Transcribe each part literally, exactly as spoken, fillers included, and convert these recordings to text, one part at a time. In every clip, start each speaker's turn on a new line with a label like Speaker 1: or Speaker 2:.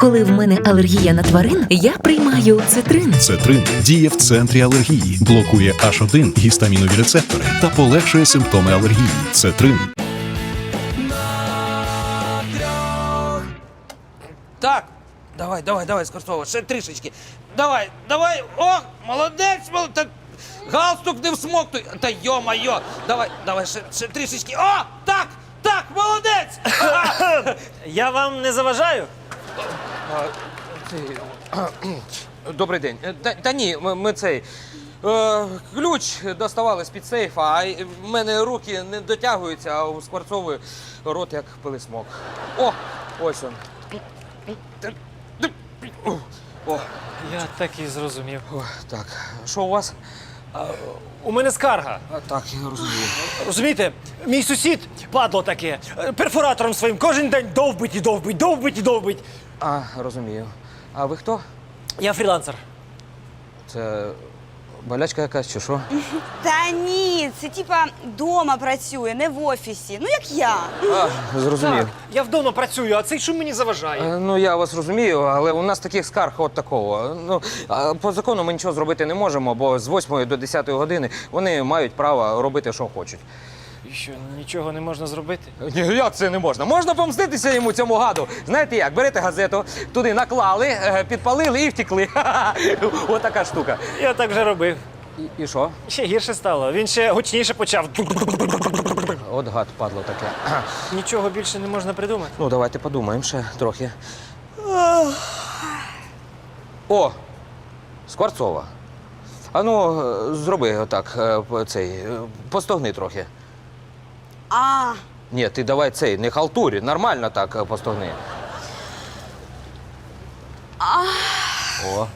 Speaker 1: Коли в мене алергія на тварин, я приймаю цитрин.
Speaker 2: Цетрин діє в центрі алергії, блокує аш один гістамінові рецептори та полегшує симптоми алергії. Цетрин.
Speaker 3: Так, давай, давай, давай, Скорцова, ще трішечки. Давай, давай, о, молодець, молодець. Галстук не всмоктуй. Та йо-майо, давай, давай, ще, ще трішечки. О, так, так, молодець. Ага.
Speaker 4: Я вам не заважаю?
Speaker 3: А, ти- Добрий день. Та, та ні, ми, ми цей. Е, ключ доставали з-під сейфа, а й- в мене руки не дотягуються, а у Скворцової рот як пилисмок. О, ось он. О,
Speaker 4: Я так і зрозумів.
Speaker 3: о, так. Що у вас?
Speaker 4: У мене скарга.
Speaker 3: А, так, я розумію.
Speaker 4: Розумієте, мій сусід, падло таке, перфоратором своїм кожен день довбить і довбить, довбить і довбить.
Speaker 3: А, розумію. А ви хто?
Speaker 4: Я фрілансер.
Speaker 3: Це болячка якась чи що?
Speaker 5: Та ні, це типа дома працює, не в офісі. Ну як я.
Speaker 3: А, зрозумів.
Speaker 4: Так, я вдома працюю, а цей шум мені заважає.
Speaker 3: Е, Ну, я вас розумію, але у нас таких скарг от такого. Ну, а по закону ми нічого зробити не можемо, бо з восьмої до десятої години вони мають право робити, що хочуть.
Speaker 4: І що, нічого не можна зробити?
Speaker 3: Ні, як це не можна? Можна помститися йому, цьому гаду. Знаєте як? Берете газету, туди наклали, е, підпалили і втекли. Ось така штука.
Speaker 4: Я так вже робив.
Speaker 3: І, і що?
Speaker 4: Ще гірше стало. Він ще гучніше почав.
Speaker 3: От гад падло таке.
Speaker 4: Нічого більше не можна придумати.
Speaker 3: Ну, давайте подумаємо ще трохи. О! Скворцова. А ну, е, зроби отак, е, п- цей, е, постогни трохи.
Speaker 5: А,
Speaker 3: Ні, ти давай цей, не халтурі, нормально так е, постогни. О.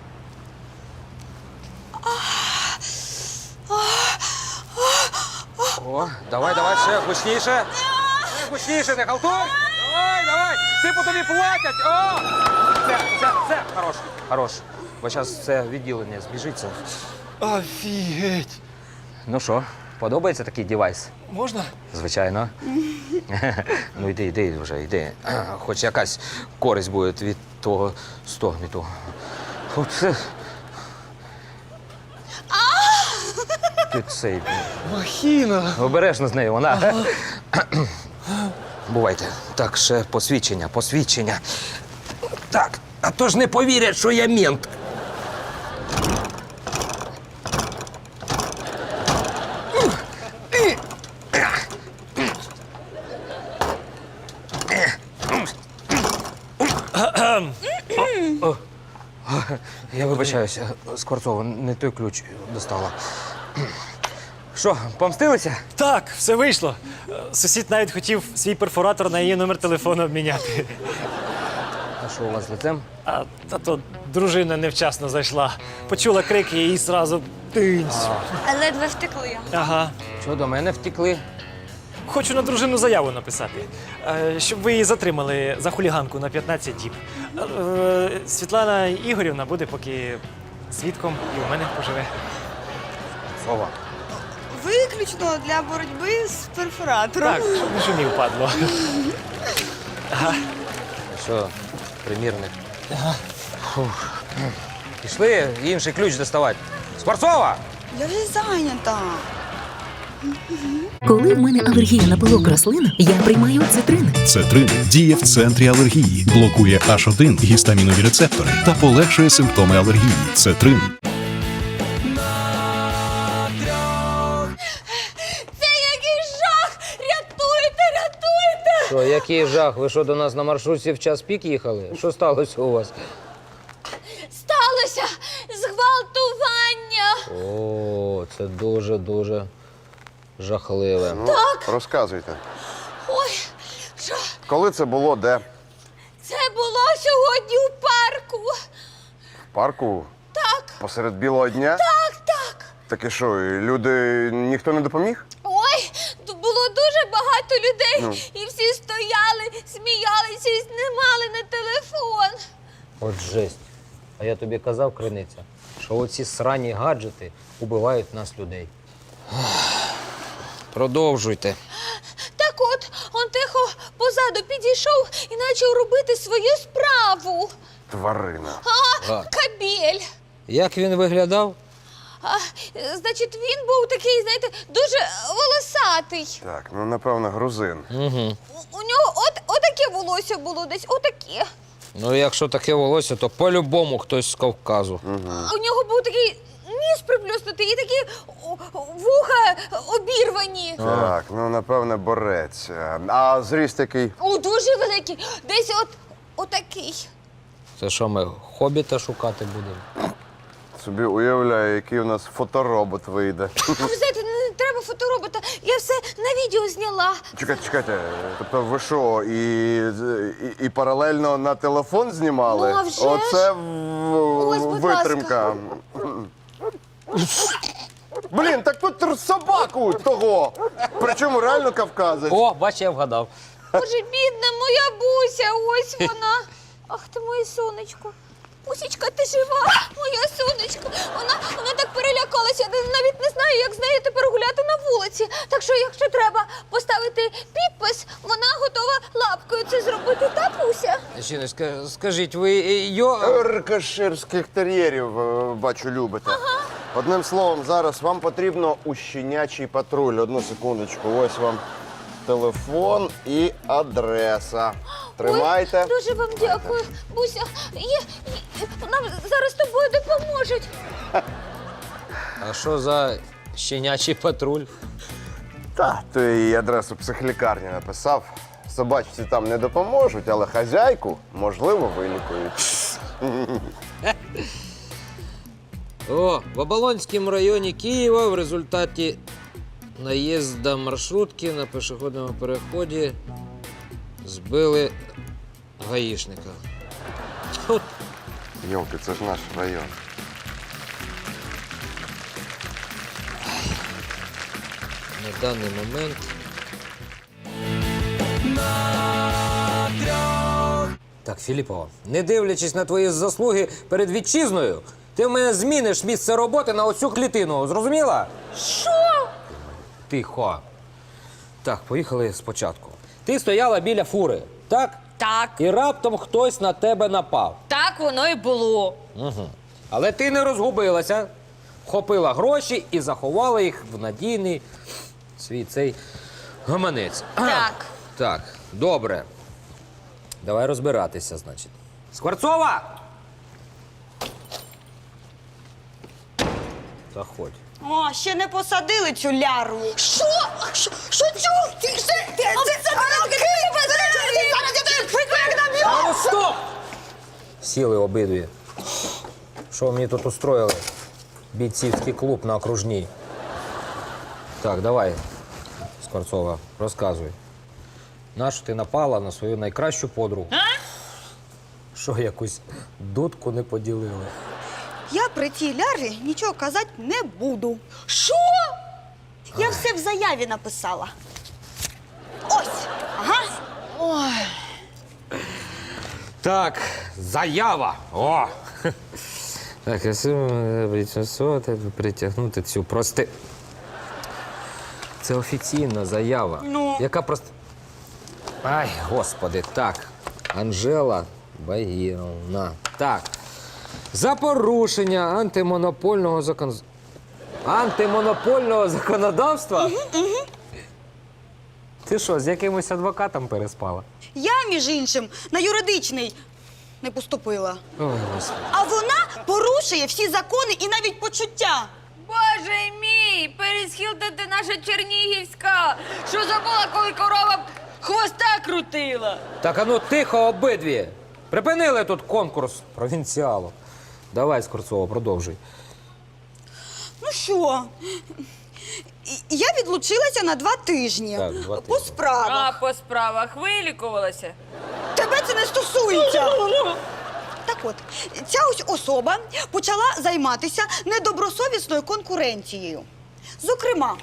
Speaker 3: О, давай, давай, ще гучніше. Ще гучніше, не халтур. Давай, давай. Ти по тобі платять. О! Це, це, це, хорош, хорош. Бо зараз це відділення збіжиться.
Speaker 4: Офігеть.
Speaker 3: Ну що, подобається такий девайс?
Speaker 4: Можна?
Speaker 3: Звичайно. Ну йди, йди вже, йди. Хоч якась користь буде від того стогміту. Оце. Ти цей.
Speaker 4: Махіна.
Speaker 3: Обережно з нею, вона. Бувайте. Так, ще посвідчення, посвідчення. Так, а то ж не повірять, що я мент. Я вибачаюся, Скворцова, не той ключ достала. Що, помстилися?
Speaker 4: Так, все вийшло. Е, Сусід навіть хотів свій перфоратор на її номер телефону обміняти.
Speaker 3: А що у вас з лицем?
Speaker 4: А та то дружина невчасно зайшла. Почула крики і зразу тинць.
Speaker 5: а ледве втекли.
Speaker 4: Ага.
Speaker 3: Що, до мене втекли?
Speaker 4: Хочу на дружину заяву написати, е, щоб ви її затримали за хуліганку на п'ятнадцять діб. Е, Світлана Ігорівна буде поки свідком і у мене поживе.
Speaker 3: Сова.
Speaker 5: Виключно для боротьби з перфоратором.
Speaker 4: Так, щоб не шумів, падло.
Speaker 3: А що, примірник? Фух. Пішли інший ключ доставати. Скворцова!
Speaker 5: Я вже зайнята.
Speaker 1: Коли в мене алергія на пилок рослин, я приймаю цитрин.
Speaker 2: Цетрин діє в центрі алергії, блокує аш один гістамінові рецептори та полегшує симптоми алергії. Цетрин.
Speaker 5: Це який жах! Рятуйте, рятуйте!
Speaker 3: Що, який жах? Ви що, до нас на маршрутці в час пік їхали? Що сталося у вас?
Speaker 5: Сталося зґвалтування!
Speaker 3: О, це дуже-дуже жахливе.
Speaker 6: Ну, розказуйте.
Speaker 5: Ой, що?
Speaker 6: Коли це було, де?
Speaker 5: Це було сьогодні у парку.
Speaker 6: В парку?
Speaker 5: Так,
Speaker 6: Посеред білого дня?
Speaker 5: так, так.
Speaker 6: Так і що, і люди, ніхто не допоміг?
Speaker 5: Ой, тут було дуже багато людей, і всі стояли, сміялися і знімали на телефон.
Speaker 3: От жесть. А я тобі казав, Криниця, що оці срані гаджети убивають нас, людей. Продовжуйте.
Speaker 5: Так от, он тихо позаду підійшов і почав робити свою справу.
Speaker 6: тварина.
Speaker 5: А, кабель.
Speaker 3: Як він виглядав?
Speaker 5: А, значить, він був такий, знаєте, дуже волосатий.
Speaker 6: Так, ну напевно, грузин.
Speaker 3: Угу.
Speaker 5: У, у нього от, отаке волосся було десь, отаке.
Speaker 3: Ну, якщо таке волосся, то по-любому хтось з Кавказу.
Speaker 5: А у нього був такий ніс приплюснутий і такі о, вуха обірвані.
Speaker 6: Так, ну напевне, борець. А зріст який?
Speaker 5: О, дуже великий. Десь от отакий.
Speaker 3: Це що, ми хобіта шукати будемо?
Speaker 6: Собі уявляю, який у нас фоторобот вийде.
Speaker 5: А ви знаєте, не треба фоторобота. Я все на відео зняла.
Speaker 6: Чекайте, чекайте. Тобто ви що, і, і, і паралельно на телефон знімали?
Speaker 5: Ну, а вже ж.
Speaker 6: Оце в-
Speaker 5: Ось, будь
Speaker 6: витримка. Блін, так тут собаку того. Причому реально кавказець.
Speaker 3: О, бач, я вгадав.
Speaker 5: Боже, бідна моя Буся, ось вона. Ах ти моє сонечко. Бусічка, ти жива, моя сонечко. Вона, вона так перелякалася, я навіть не знаю, як з нею тепер гуляти на вулиці. Так що, якщо треба поставити підпис, вона готова лапкою це зробити, та Буся?
Speaker 3: Жіночка, скажіть, ви йо...
Speaker 6: Рикоширських тер'єрів, е, бачу, любите. Одним словом, зараз вам потрібно у щенячий патруль. Одну секундочку, ось вам телефон і адреса. Тримайте.
Speaker 5: Ой, дуже вам дякую, Буся. Є, є, нам зараз з тобою допоможуть.
Speaker 3: А що за щенячий патруль?
Speaker 6: Та, то і адресу психлікарні написав. Собачці там не допоможуть, але хазяйку, можливо, вилікують.
Speaker 3: О, в Оболонському районі Києва в результаті наїзду маршрутки на пішохідному переході збили гаїшника. От.
Speaker 6: Йолки, це ж наш район.
Speaker 3: На даний момент Так, Філіппова, не дивлячись на твої заслуги перед вітчизною, ти в мене зміниш місце роботи на оцю клітину. Зрозуміла?
Speaker 5: Що?
Speaker 3: Тихо. Так, поїхали спочатку. Ти стояла біля фури, так?
Speaker 1: Так,
Speaker 3: І раптом хтось на тебе напав.
Speaker 1: так воно і було.
Speaker 3: Угу. Але ти не розгубилася, вхопила гроші і заховала їх в надійний свій цей гаманець.
Speaker 1: Так.
Speaker 3: Так, добре. Давай розбиратися, значить. Скворцова! Заходь.
Speaker 7: О, ще не посадили цю ляру.
Speaker 5: Що? Що? Що цю? Ти це? Ти це? Зараз я тебе прикрикну.
Speaker 3: А ну стоп! Сіли обидві. Що ви мені тут устроїли? Бійцівський клуб на окружній. Так, давай, Скворцова, розказуй. Нащо ти напала на свою найкращу подругу? Що, якусь дудку не поділили?
Speaker 7: Я при цій лярі нічого казати не буду.
Speaker 5: Що?
Speaker 7: Я все в заяві написала. Ось. Ага.
Speaker 5: Ой.
Speaker 3: Так, заява. О! Так, я притягнути цю прости. Це офіційна заява.
Speaker 7: Ну?
Speaker 3: Яка просто. Ай, господи, так. Анжела Багіровна. Так. За порушення антимонопольного закон... антимонопольного законодавства? Ти що, з якимось адвокатом переспала?
Speaker 7: Я, між іншим, на юридичний не поступила.
Speaker 3: Ой, господи.
Speaker 7: А вона порушує всі закони і навіть почуття.
Speaker 5: Боже мій, пересхилта ти наша Чернігівська. Що забула, коли корова хвоста крутила?
Speaker 3: Так, а ну тихо обидві. Припинили тут конкурс провінціалу. Давай, Скворцова, продовжуй.
Speaker 7: Ну що? І- Я відлучилася на два тижні.
Speaker 3: Так, два
Speaker 7: По
Speaker 3: тижні.
Speaker 7: справах.
Speaker 5: по справах вилікувалася.
Speaker 7: Тебе це не стосується. Так от, ця ось особа почала займатися недобросовісною конкуренцією. Зокрема,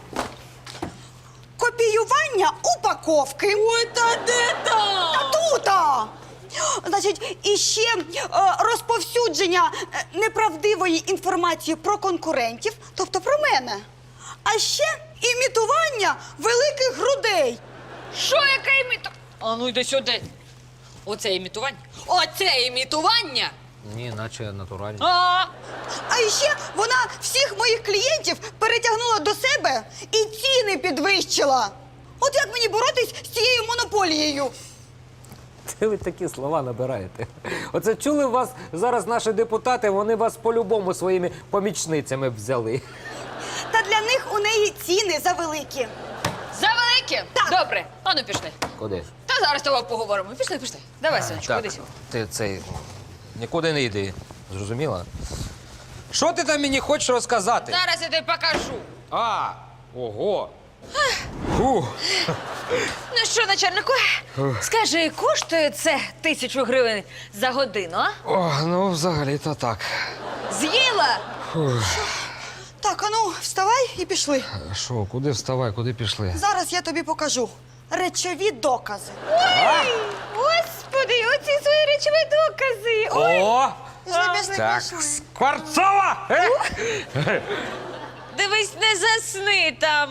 Speaker 7: копіювання упаковки. Ой, та де там? Та тута! Значить, і ще е, розповсюдження е, неправдивої інформації про конкурентів, тобто про мене. А ще імітування великих грудей.
Speaker 5: Що, яке імітування? А ну йди сюди. Оце імітування. Оце імітування
Speaker 3: Ні, наче натуральні.
Speaker 5: А,
Speaker 7: А ще вона всіх моїх клієнтів перетягнула до себе і ціни підвищила. От як мені боротись з цією монополією?
Speaker 8: Це ви такі слова набираєте. Оце чули вас зараз наші депутати, вони вас по-любому своїми помічницями взяли.
Speaker 7: Та для них у неї ціни завеликі.
Speaker 5: завелике? Добре, ану пішли.
Speaker 8: Куди?
Speaker 5: Та зараз з тобою поговоримо. Пішли, пішли. Давай, сонечко,
Speaker 3: Так,
Speaker 5: куди сюди.
Speaker 3: ти цей нікуди не йди. Зрозуміла? Що ти там мені хочеш розказати?
Speaker 5: Зараз я тобі покажу.
Speaker 3: А, ого. Фу.
Speaker 5: Ну що, начальнику, скажи, коштує це тисячу гривень за годину, а?
Speaker 3: О, ну взагалі-то так.
Speaker 5: З'їла?
Speaker 7: Так, ану, вставай і пішли.
Speaker 3: Що, куди вставай, куди пішли?
Speaker 7: Зараз я тобі покажу речові докази.
Speaker 5: Господи, оці свої речові докази. Ой,
Speaker 3: О!
Speaker 7: Пішли, пішли,
Speaker 3: Так,
Speaker 7: пішли.
Speaker 3: Скворцова! Е?
Speaker 5: дивись, не засни там.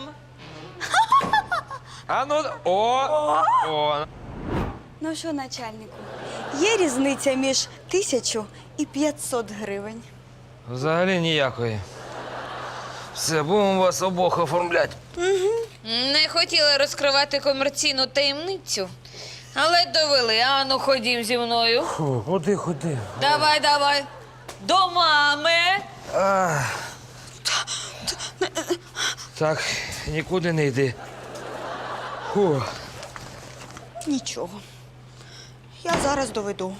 Speaker 3: А ну, о, о.
Speaker 7: Ну що, начальнику, є різниця між тисячу і п'ятсот гривень.
Speaker 3: Взагалі ніякої. Все, будемо вас обох оформляти.
Speaker 5: Не хотіла розкривати комерційну таємницю, але довели. Ану, ходім зі мною.
Speaker 8: Фу, ходи, ходи.
Speaker 5: Давай, давай. До мами.
Speaker 3: Так, нікуди не йди. Фу.
Speaker 7: Нічого. Я зараз доведу.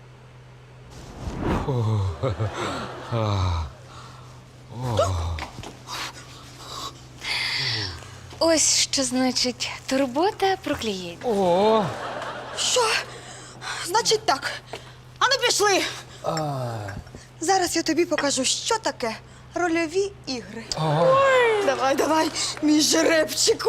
Speaker 5: Ось що значить турбота про клієнтів.
Speaker 3: О,
Speaker 7: Що? Значить так. Ану пішли. Зараз я тобі покажу, що таке рольові ігри. Давай, давай, мій жеребчику.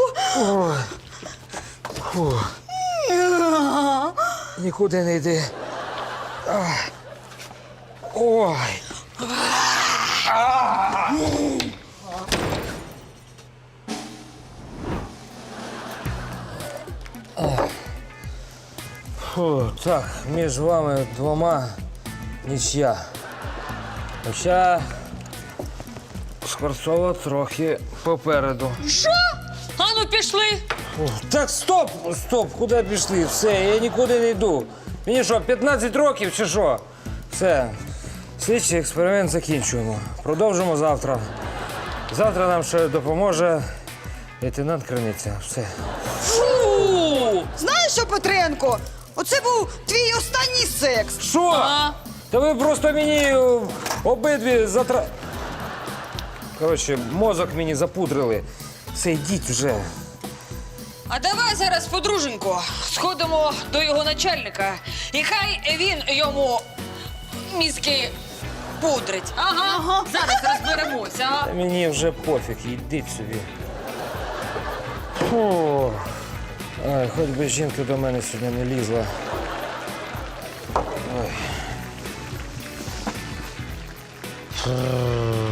Speaker 3: нікуди не йди. Ах. Ой.
Speaker 8: Фу, так, між вами двома нічия. Хоча Скворцова трохи попереду.
Speaker 5: Ану, пішли.
Speaker 8: Фу, так, стоп, стоп, куди пішли? Все, я нікуди не йду. Мені що, п'ятнадцять років чи що? Все, слідчий експеримент закінчуємо. Продовжимо завтра. Завтра нам ще допоможе лейтенант Криниця. Все.
Speaker 7: Фу! Знаєш що, Петренко? Оце був твій останній секс.
Speaker 8: Що? Та ви просто мені е, обидві затра... Коротше, мозок мені запудрили. Все, йдіть вже.
Speaker 5: А давай зараз, подруженько, сходимо до його начальника. І хай він йому мізки пудрить. Ага, ага. Зараз розберемося. а?
Speaker 8: Та мені вже пофіг, йдіть собі. Фу. Ай, хоч би жінка до мене сьогодні не лізла. Ой. Фу.